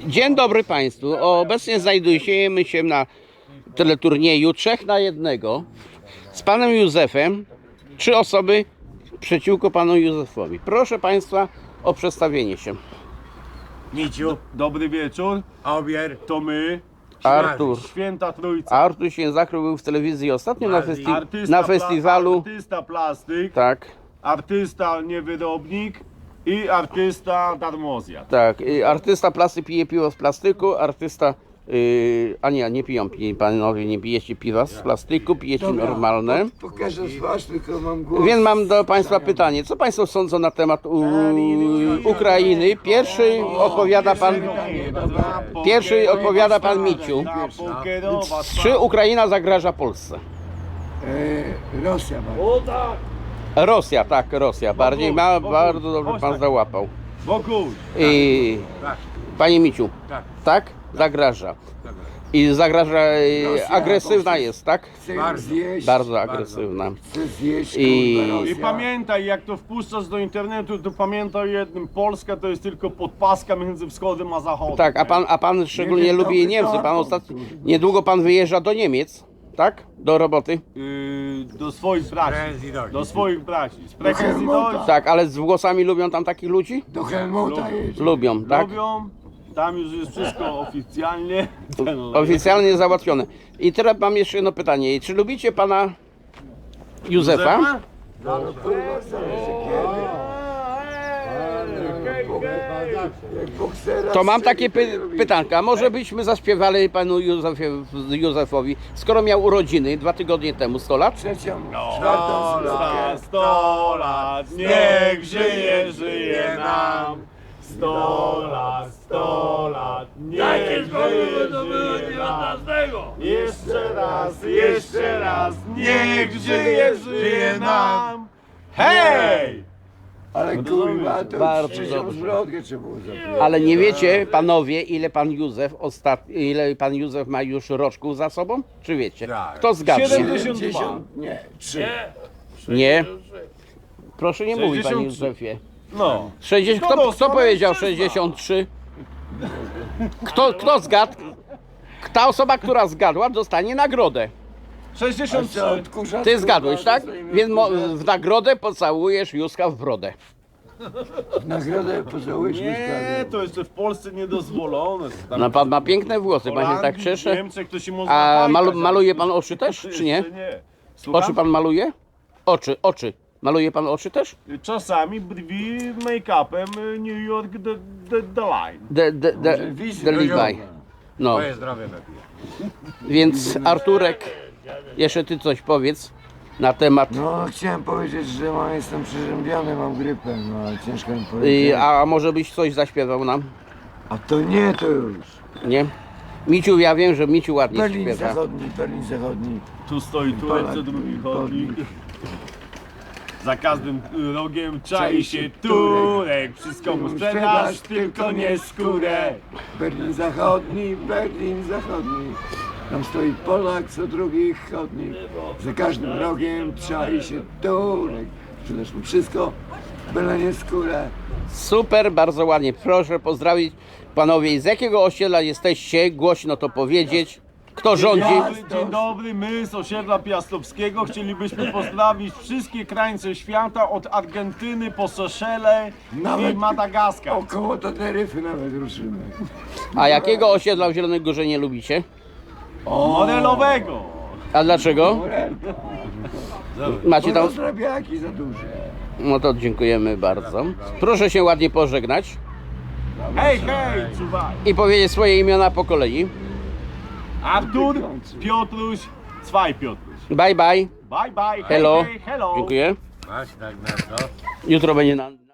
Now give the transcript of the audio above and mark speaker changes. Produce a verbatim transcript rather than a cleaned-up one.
Speaker 1: Dzień dobry Państwu. Obecnie znajdujemy się na teleturnieju trzech na jednego z panem Józefem. Trzy osoby przeciwko panu Józefowi. Proszę Państwa o przedstawienie się.
Speaker 2: Miciu, dobry wieczór.
Speaker 3: Obier,
Speaker 2: To my,
Speaker 1: Artur.
Speaker 2: Święta Trójca.
Speaker 1: Artur Święzakry był w telewizji ostatnio na, festi
Speaker 2: Artysta
Speaker 1: na
Speaker 2: pla-
Speaker 1: festiwalu.
Speaker 2: Artysta plastyk,
Speaker 1: Tak,
Speaker 2: artysta niewyrobnik i artysta darmozjad.
Speaker 1: tak. Y, Artysta plastyk pije piwo z plastyku, artysta... Yy, a nie, nie piją, pi- panowie, nie pijecie piwa z plastyku, pijecie normalne.
Speaker 3: pokażę twarz, tylko mam głos.
Speaker 1: Więc mam do Państwa pytanie. Co Państwo sądzą na temat u, Ukrainy? Pierwszy odpowiada Pan... Pierwszy odpowiada pan Miciu. Czy Ukraina zagraża Polsce?
Speaker 3: E, Rosja ma.
Speaker 1: Rosja, tak, Rosja. Bardziej ma, bardzo dobrze Pan załapał.
Speaker 2: Wokół.
Speaker 1: I, Panie Miciu, tak? Zagraża. I zagraża, e, agresywna jest, tak?
Speaker 3: Chcę zjeść,
Speaker 1: Bardzo agresywna.
Speaker 3: chcę zjeść,
Speaker 1: I-
Speaker 3: kurwa, Rosja.
Speaker 2: I pamiętaj, jak to wpuszczasz do internetu, to pamiętaj o jednym. Polska to jest tylko podpaska między wschodem a zachodem.
Speaker 1: Tak, a pan, a pan szczególnie
Speaker 3: wiem,
Speaker 1: lubi
Speaker 3: dobry
Speaker 1: Niemcy. Pan
Speaker 3: temat,
Speaker 1: ostatnio,
Speaker 3: kurde.
Speaker 1: niedługo Pan wyjeżdża do Niemiec, tak? Do roboty.
Speaker 2: Yy, do swoich braci. Do swoich braci. Sprechen Sie
Speaker 3: Helmuta.
Speaker 2: Deutsch?
Speaker 1: Tak, ale z włosami lubią tam takich ludzi?
Speaker 3: Do Helmuta jedzie.
Speaker 1: Lubią, tak?
Speaker 2: Lubią. Tam już jest wszystko oficjalnie.
Speaker 1: Oficjalnie załatwione. I teraz mam jeszcze jedno pytanie. Czy lubicie Pana Józefa?
Speaker 3: Jak boksera
Speaker 1: To mam takie
Speaker 3: strzeli,
Speaker 1: py
Speaker 3: to robi.
Speaker 1: pytanka. Może byśmy zaśpiewali Panu Józefie, Józefowi, skoro miał urodziny dwa tygodnie temu, sto lat?
Speaker 3: Trzecią,
Speaker 2: Sto
Speaker 3: czwartą
Speaker 2: lat, sto lat, niech żyje, żyje nam. Sto lat, sto lat, niech żyje, żyje nam. Jeszcze raz, jeszcze raz, niech żyje, żyje nam. Hej!
Speaker 3: Ale kurwa, to
Speaker 1: Bardzo
Speaker 3: trzecią
Speaker 1: dobrze.
Speaker 3: zwrotkę trzeba było zapisać.
Speaker 1: Ale nie wiecie, panowie, ile Pan Józef ostat... ile Pan Józef ma już roczków za sobą? Czy wiecie? Kto zgadnie?
Speaker 2: siedemdziesiąt dwa.
Speaker 3: siedemdziesiąt, nie, trzy.
Speaker 1: Nie. Proszę nie mówić, Panie
Speaker 2: sześćdziesiąt trzy.
Speaker 1: Józefie.
Speaker 2: No.
Speaker 1: sześćdziesiąt,
Speaker 2: Kto
Speaker 1: kto,
Speaker 2: dostał
Speaker 1: kto powiedział
Speaker 2: mężczyzna?
Speaker 1: sześćdziesiąt trzy? Kto, kto zgadł? Ta osoba, która zgadła, dostanie nagrodę.
Speaker 2: sześćdziesiąt
Speaker 3: Co,
Speaker 2: trzy.
Speaker 3: odkurzacz,
Speaker 1: Ty
Speaker 3: kurwa,
Speaker 1: zgadłeś, tak?
Speaker 3: dostajemy
Speaker 1: Więc mo-
Speaker 3: odkurzacz.
Speaker 1: w nagrodę pocałujesz Józka w brodę.
Speaker 3: Nagrodę pocałuję
Speaker 2: Nie, to jeszcze w Polsce niedozwolone. Tam
Speaker 1: No pan ma piękne włosy,
Speaker 2: w
Speaker 1: pan się tak
Speaker 2: Holandii, w
Speaker 1: cieszy.
Speaker 2: Niemczech to się można
Speaker 1: A
Speaker 2: fajkać,
Speaker 1: malu-
Speaker 2: ale
Speaker 1: maluje
Speaker 2: tu
Speaker 1: pan oczy też,
Speaker 2: jeszcze
Speaker 1: czy nie?
Speaker 2: nie. Słucham?
Speaker 1: Oczy pan maluje? Oczy, oczy. Maluje pan oczy też?
Speaker 2: Czasami brwi make-upem y, New York the, the, the Line.
Speaker 1: De, de, de, de Levi. No,
Speaker 3: Moje zdrowie lepiej.
Speaker 1: więc Arturek, jeszcze ty coś powiedz na temat.
Speaker 3: No, chciałem powiedzieć, że mam, jestem przeziębiony, mam grypę, no ale ciężko mi
Speaker 1: Y,
Speaker 3: powiedzieć.
Speaker 1: a może byś coś zaśpiewał nam?
Speaker 3: A to nie, to już.
Speaker 1: Nie? Miciu, ja wiem, że Miciu ładnie
Speaker 3: Berlin
Speaker 1: śpiewa.
Speaker 3: Zachodni, Berlin Zachodni.
Speaker 2: Tu stoi Turek, co drugi chodnik. Za każdym rogiem czai się Turek. Wszystko mu sprzedasz, tylko nie skórę.
Speaker 3: Berlin Zachodni, Berlin Zachodni. Tam stoi Polak, co drugi chodnik. Za każdym rogiem czai się Turek. Sprzedasz mu wszystko, byle nie skórę.
Speaker 1: Super, bardzo ładnie. Proszę pozdrowić panowie. Z jakiego osiedla jesteście? Głośno to powiedzieć. Kto rządzi?
Speaker 2: Dzień dobry, my z osiedla Piastowskiego chcielibyśmy pozdrowić wszystkie krańce świata od Argentyny po Seszele i
Speaker 3: Nawet-
Speaker 2: Madagaskar.
Speaker 3: Około Teneryfy nawet ruszymy.
Speaker 1: A jakiego osiedla w Zielonej Górze nie lubicie?
Speaker 2: Modelowego.
Speaker 1: A dlaczego? Macie
Speaker 3: Bo
Speaker 1: tam...
Speaker 3: rozrabiaki za duże.
Speaker 1: No to dziękujemy bardzo. Proszę się ładnie pożegnać
Speaker 2: Hej, hej, czuwaj.
Speaker 1: i powiedzieć swoje imiona po kolei.
Speaker 2: Artur, Piotruś, Cwaj Piotruś.
Speaker 1: Bye bye.
Speaker 2: Bye, bye. Hej,
Speaker 1: Hello.
Speaker 2: hej, hello.
Speaker 1: Dziękuję.
Speaker 3: Masz tak na to?
Speaker 1: Jutro będzie na...